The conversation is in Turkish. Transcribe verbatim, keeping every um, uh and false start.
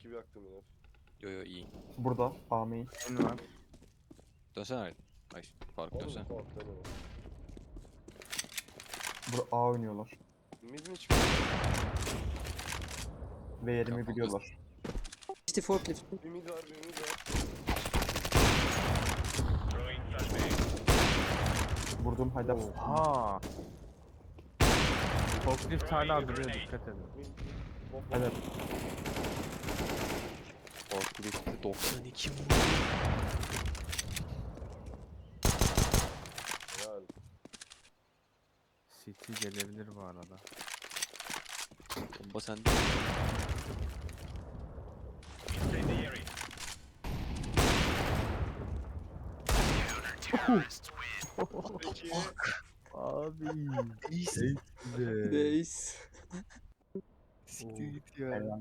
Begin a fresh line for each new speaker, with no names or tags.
gibi yaktım yine.
Yo yo iyi.
Burada. A main.
En var.
Dönsene. Ay Faruk
Oğlum
dönsene.
kork deme.
Burada A oynuyorlar.
Mid mi çıkıyor?
Ve yerimi
Kafam
biliyorlar.
İşte forklift.
Bir mid var, bir mid var.
Vurdum hadi.
Ha. Forklift hala duruyor, dikkat edin.
Mid, mid. Bom, bom.
Evet.
Forklift'te doksan iki vurdu.
Helal.
City gelebilir bu arada.
Bomba sende.
Peki.
Abi.
İyisin.
Güzel.
Reis.
Siktir git ya.
Helal.